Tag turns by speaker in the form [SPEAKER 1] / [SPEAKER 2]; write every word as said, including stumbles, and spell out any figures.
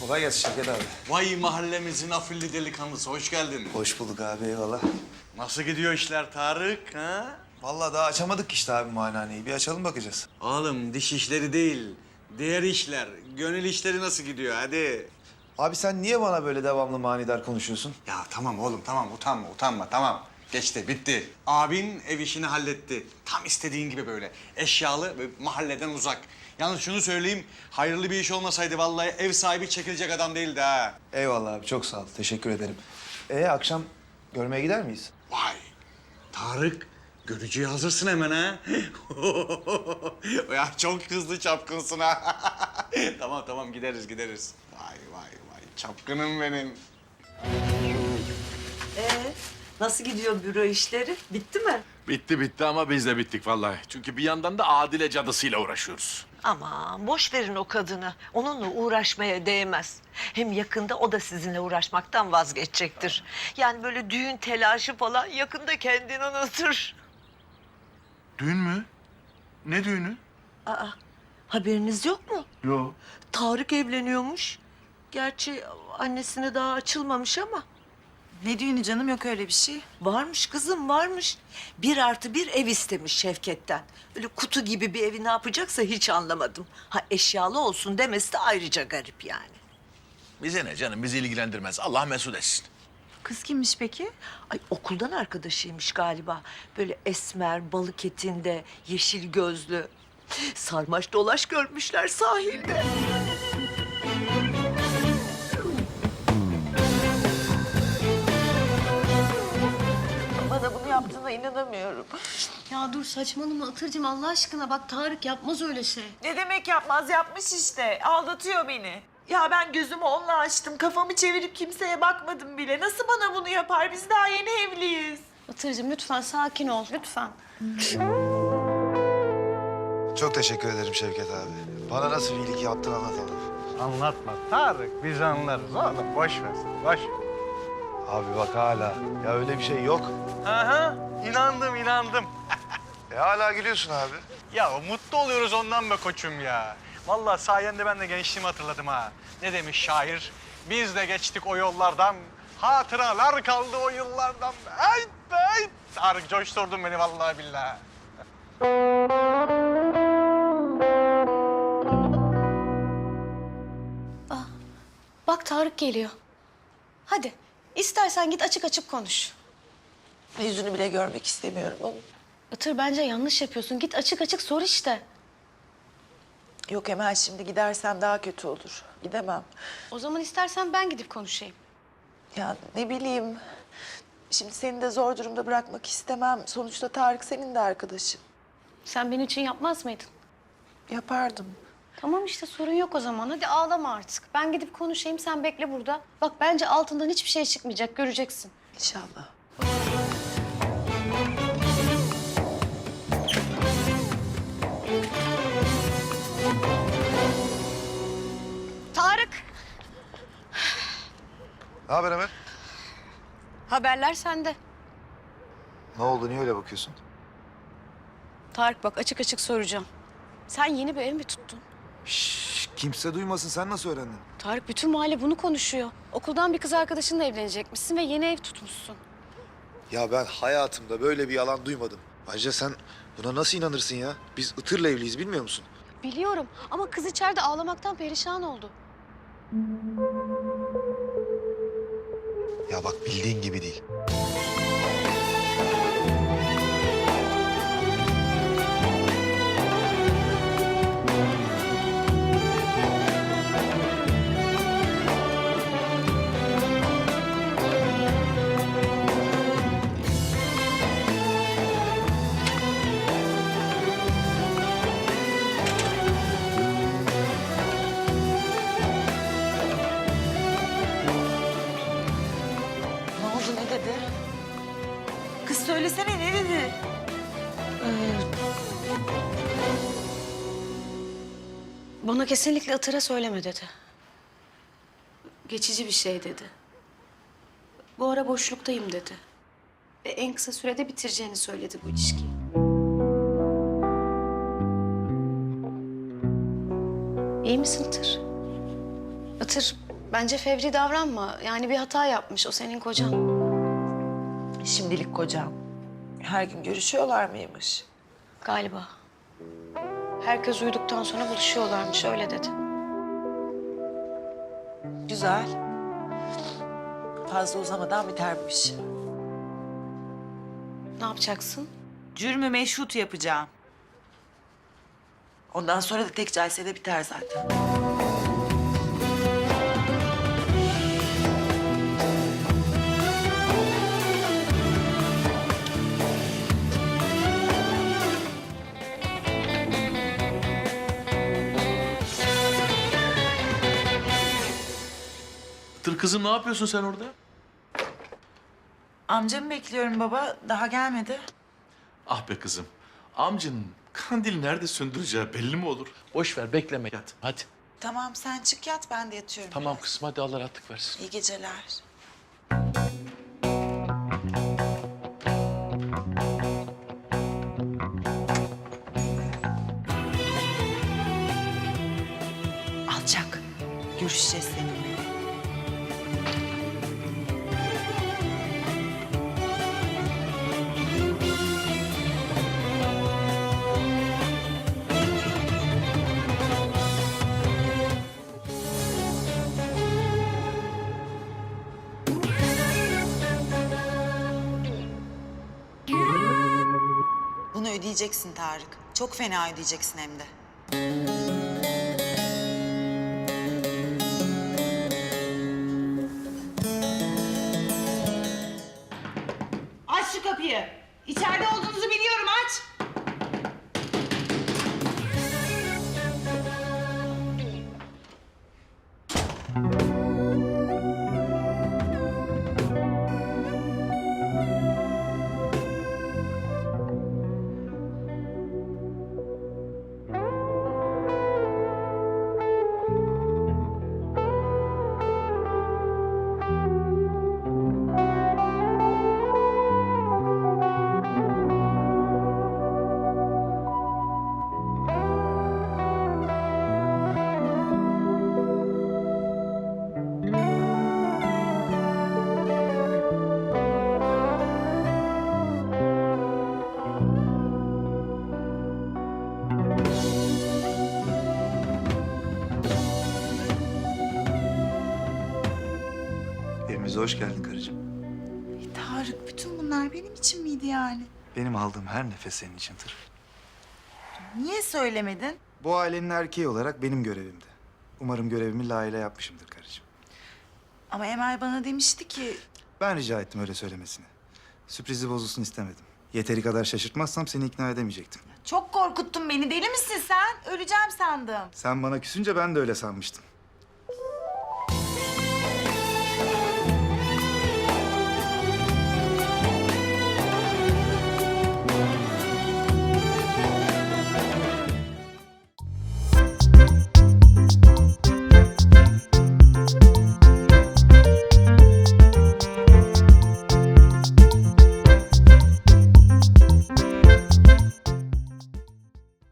[SPEAKER 1] Kolay gelsin Şevket abi.
[SPEAKER 2] Vay mahallemizin afilli delikanlısı, hoş geldin.
[SPEAKER 1] Hoş bulduk abi, eyvallah.
[SPEAKER 2] Nasıl gidiyor işler Tarık, ha?
[SPEAKER 1] Vallahi daha açamadık işte abi muayenehaneyi. Bir açalım bakacağız.
[SPEAKER 2] Oğlum diş işleri değil, diğer işler, gönül işleri nasıl gidiyor hadi.
[SPEAKER 1] Abi sen niye bana böyle devamlı manidar konuşuyorsun?
[SPEAKER 2] Ya tamam oğlum tamam, utanma utanma tamam. Geçti, bitti. Abin ev işini halletti. Tam istediğin gibi böyle. Eşyalı ve mahalleden uzak. Yalnız şunu söyleyeyim, hayırlı bir iş olmasaydı vallahi ev sahibi çekilecek adam değildi ha.
[SPEAKER 1] Eyvallah abi, çok sağ ol. Teşekkür ederim. Ee akşam görmeye gider miyiz?
[SPEAKER 2] Vay, Tarık, görücüye hazırsın hemen ha. Ya çok hızlı çapkınsın ha. Tamam tamam gideriz gideriz. Vay vay vay, çapkınım benim.
[SPEAKER 3] Ee, nasıl gidiyor büro işleri? Bitti mi?
[SPEAKER 4] Bitti bitti ama biz de bittik vallahi. Çünkü bir yandan da Adile cadısıyla uğraşıyoruz.
[SPEAKER 3] Aman boş verin o kadını. Onunla uğraşmaya değmez. Hem yakında o da sizinle uğraşmaktan vazgeçecektir. Yani böyle düğün telaşı falan yakında kendini unutur.
[SPEAKER 4] Düğün mü? Ne düğünü?
[SPEAKER 3] Aa, haberiniz yok mu?
[SPEAKER 4] Yok.
[SPEAKER 3] Tarık evleniyormuş. Gerçi annesine daha açılmamış ama.
[SPEAKER 5] Ne düğünü canım, yok öyle bir şey.
[SPEAKER 3] Varmış kızım, varmış. Bir artı bir ev istemiş Şevket'ten. Böyle kutu gibi bir evi ne yapacaksa hiç anlamadım. Ha eşyalı olsun demesi de ayrıca garip yani.
[SPEAKER 4] Bize ne canım, bizi ilgilendirmez. Allah mesut etsin.
[SPEAKER 5] Kız kimmiş peki?
[SPEAKER 3] Ay okuldan arkadaşıymış galiba. Böyle esmer, balık etinde, yeşil gözlü. Sarmaş dolaş görmüşler sahilde. Bana bunu yaptığına inanamıyorum.
[SPEAKER 6] Ya dur saçmalama Itırcığım, Allah aşkına bak Tarık yapmaz öyle şey.
[SPEAKER 7] Ne demek yapmaz, yapmış işte. Aldatıyor beni. Ya ben gözümü onunla açtım. Kafamı çevirip kimseye bakmadım bile. Nasıl bana bunu yapar? Biz daha yeni evliyiz.
[SPEAKER 6] Itırcığım lütfen sakin ol lütfen.
[SPEAKER 1] Çok teşekkür ederim Şevket abi. Bana nasıl bir iyilik yaptın anlatamam.
[SPEAKER 8] Anlatma Tarık, biz anlarız oğlum. Boş ver, boş.
[SPEAKER 1] Abi bak hala. Ya öyle bir şey yok.
[SPEAKER 8] Aha, inandım, inandım.
[SPEAKER 1] E hala gülüyorsun abi.
[SPEAKER 8] Ya mutlu oluyoruz ondan be koçum ya. Vallahi sayende ben de gençliğimi hatırladım ha. Ne demiş şair? Biz de geçtik o yollardan, hatıralar kaldı o yıllardan. Ay be, ay. Tarık coşturdun beni vallahi billahi.
[SPEAKER 6] Bak Tarık geliyor. Hadi istersen git açık açık konuş.
[SPEAKER 7] Yüzünü bile görmek istemiyorum ama.
[SPEAKER 6] Itır bence yanlış yapıyorsun. Git açık açık sor işte.
[SPEAKER 7] Yok Emel, şimdi gidersem daha kötü olur. Gidemem.
[SPEAKER 6] O zaman istersen ben gidip konuşayım.
[SPEAKER 7] Ya ne bileyim. Şimdi seni de zor durumda bırakmak istemem. Sonuçta Tarık senin de arkadaşın.
[SPEAKER 6] Sen benim için yapmaz mıydın?
[SPEAKER 7] Yapardım.
[SPEAKER 6] Tamam işte sorun yok o zaman. Hadi ağlama artık. Ben gidip konuşayım sen bekle burada. Bak bence altından hiçbir şey çıkmayacak göreceksin.
[SPEAKER 7] İnşallah.
[SPEAKER 6] Tarık!
[SPEAKER 1] Ne haber Emel?
[SPEAKER 6] Haberler sende.
[SPEAKER 1] Ne oldu, niye öyle bakıyorsun?
[SPEAKER 6] Tarık bak açık açık soracağım. Sen yeni bir ev mi tuttun?
[SPEAKER 1] Şşş, kimse duymasın. Sen nasıl öğrendin?
[SPEAKER 6] Tarık bütün mahalle bunu konuşuyor. Okuldan bir kız arkadaşınla evlenecekmişsin ve yeni ev tutmuşsun.
[SPEAKER 1] Ya ben hayatımda böyle bir yalan duymadım. Ayrıca sen buna nasıl inanırsın ya? Biz Itır'la evliyiz, bilmiyor musun?
[SPEAKER 6] Biliyorum ama kız içeride ağlamaktan perişan oldu.
[SPEAKER 1] Ya bak bildiğin gibi değil.
[SPEAKER 7] Ne oldu, ne dedi? Kız söylesene, ne dedi?
[SPEAKER 6] Bana kesinlikle Itır'a söyleme dedi. Geçici bir şey dedi. Bu ara boşluktayım dedi. Ve en kısa sürede bitireceğini söyledi bu ilişkiyi. İyi misin Itır? Itır, Bence fevri davranma. Yani bir hata yapmış. O senin kocan.
[SPEAKER 7] Şimdilik kocam. Her gün görüşüyorlar mıymış?
[SPEAKER 6] Galiba. Herkes uyuduktan sonra buluşuyorlarmış. Öyle dedi.
[SPEAKER 7] Güzel. Fazla uzamadan biter bu iş.
[SPEAKER 6] Ne yapacaksın?
[SPEAKER 5] Cürmü meşhut yapacağım.
[SPEAKER 7] Ondan sonra da tek celsede biter zaten.
[SPEAKER 4] Tır kızım, ne yapıyorsun sen orada?
[SPEAKER 5] Amcamı bekliyorum baba. Daha gelmedi.
[SPEAKER 4] Ah be kızım. Amcanın kandil nerede söndüreceği belli mi olur? Boş ver, bekleme, yat. Hadi.
[SPEAKER 5] Tamam sen çık yat ben de yatıyorum.
[SPEAKER 4] Tamam kızım, hadi Allah rahatlık versin.
[SPEAKER 5] İyi geceler. Alçak. Görüşeceğiz seninle. Bunu ödeyeceksin Tarık. Çok fena ödeyeceksin hem de. Aç şu kapıyı. İçeride olduğunuzu biliyorum, aç.
[SPEAKER 9] Evimize hoş geldin karıcığım.
[SPEAKER 5] Tarık bütün bunlar benim için miydi yani?
[SPEAKER 9] Benim aldığım her nefes senin içindir.
[SPEAKER 5] Niye söylemedin?
[SPEAKER 9] Bu ailenin erkeği olarak benim görevimdi. Umarım görevimi layığıyla yapmışımdır karıcığım.
[SPEAKER 5] Ama Emel bana demişti ki...
[SPEAKER 9] Ben rica ettim öyle söylemesini. Sürprizi bozulsun istemedim. Yeteri kadar şaşırtmazsam seni ikna edemeyecektim.
[SPEAKER 5] Çok korkuttun beni. Deli misin sen? Öleceğim sandım.
[SPEAKER 9] Sen bana küsünce ben de öyle sanmıştım.